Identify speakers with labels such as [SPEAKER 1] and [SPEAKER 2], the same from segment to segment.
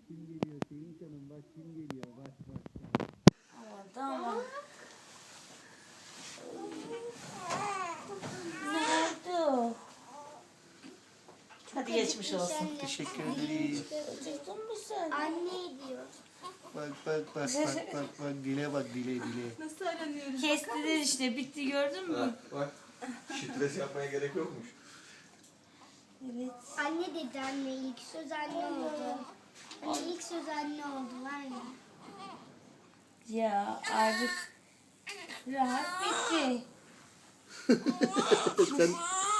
[SPEAKER 1] kim geliyor? Sevinç Hanım bak kim geliyor? Bak bak.
[SPEAKER 2] Tamam. Nerede o? Hadi geçmiş olsun.
[SPEAKER 1] Teşekkür ederim.
[SPEAKER 2] Acıktın mı sen?
[SPEAKER 3] Anne diyor.
[SPEAKER 1] Bak bak bak bak bak bak dile bak dile.
[SPEAKER 4] Nasıl aranıyoruz?
[SPEAKER 2] Kestiler işte, bitti, gördün mü?
[SPEAKER 5] Bak. Stres yapmaya gerek yokmuş.
[SPEAKER 2] Evet.
[SPEAKER 3] Anne dedi anne. İlk söz anne oldu. Anne ilk söz anne oldu var ya.
[SPEAKER 2] Ya artık rahat bitti.
[SPEAKER 1] Sen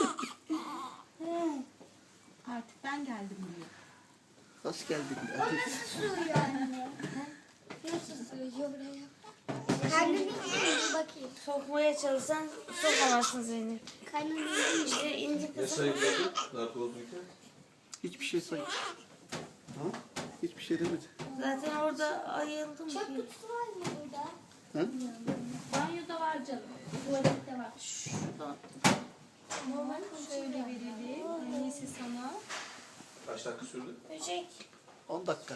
[SPEAKER 4] Artık ben geldim buraya.
[SPEAKER 1] hoş geldin.
[SPEAKER 3] Sığıyor anne. Nasıl sığıyor buraya? Karnını bir bakayım.
[SPEAKER 2] Sokmaya çalışsan sokamazsın Zeynep.
[SPEAKER 3] Karnını
[SPEAKER 2] İşte ince
[SPEAKER 5] Ne
[SPEAKER 2] kızım.
[SPEAKER 5] sayıkladın? Narkozluyken.
[SPEAKER 1] Hiçbir şey say. Hiçbir şey demedi.
[SPEAKER 2] Zaten orada ayıldım
[SPEAKER 3] Çöp
[SPEAKER 2] ki.
[SPEAKER 3] kutusu var mı burada?
[SPEAKER 1] Ha?
[SPEAKER 4] Banyoda var canım. Tuvalette var.
[SPEAKER 2] Şuradan.
[SPEAKER 4] Normal şöyle verelim. Annesi sana.
[SPEAKER 5] Kaç dakika sürdü?
[SPEAKER 2] Böcek.
[SPEAKER 1] 10 dakika.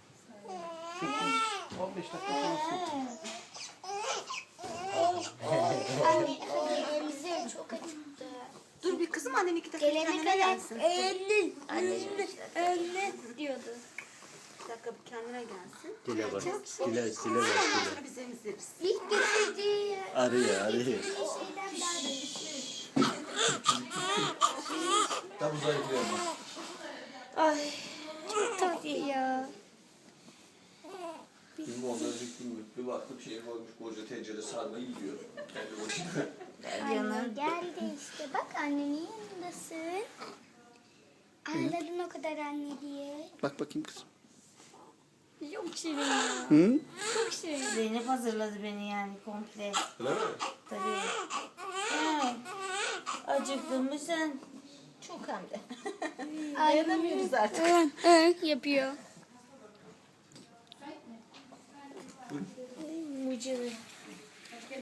[SPEAKER 1] 15 dakika falan sürdü.
[SPEAKER 3] Anne hadi elimize çok acıktı.
[SPEAKER 4] Dur bir kızım, annen 2 dakika
[SPEAKER 3] Gelene
[SPEAKER 4] kendine
[SPEAKER 3] kadar
[SPEAKER 4] gelsin.
[SPEAKER 3] anne diyordu.
[SPEAKER 4] Bir dakika bir kendine gelsin.
[SPEAKER 1] Dile bak. Dile
[SPEAKER 4] Ondan sonra biz emziririz.
[SPEAKER 3] İlk getirdiği
[SPEAKER 1] Arıyor.
[SPEAKER 3] şeyden daha da
[SPEAKER 5] Tam zayıflıyorum.
[SPEAKER 2] Ay. Çok tatlı
[SPEAKER 3] ya.
[SPEAKER 5] Gün oldu önceki gün bir baktım şey koymuş koca tencere sarma yiyor. Kendi başına.
[SPEAKER 3] Anne geldi işte. Bak annenin yanındasın. Anladın o kadar anne diye.
[SPEAKER 1] Bak bakayım kızım.
[SPEAKER 3] Çok şirin ya.
[SPEAKER 1] Hı?
[SPEAKER 3] Çok şirin.
[SPEAKER 2] Zeynep hazırladı beni yani komple.
[SPEAKER 5] Öyle mi?
[SPEAKER 2] Tabii. Evet. Acıktın mı sen?
[SPEAKER 4] Çok hem de.
[SPEAKER 3] Dayanamıyoruz
[SPEAKER 4] artık.
[SPEAKER 3] Yapıyor.
[SPEAKER 2] Mucize.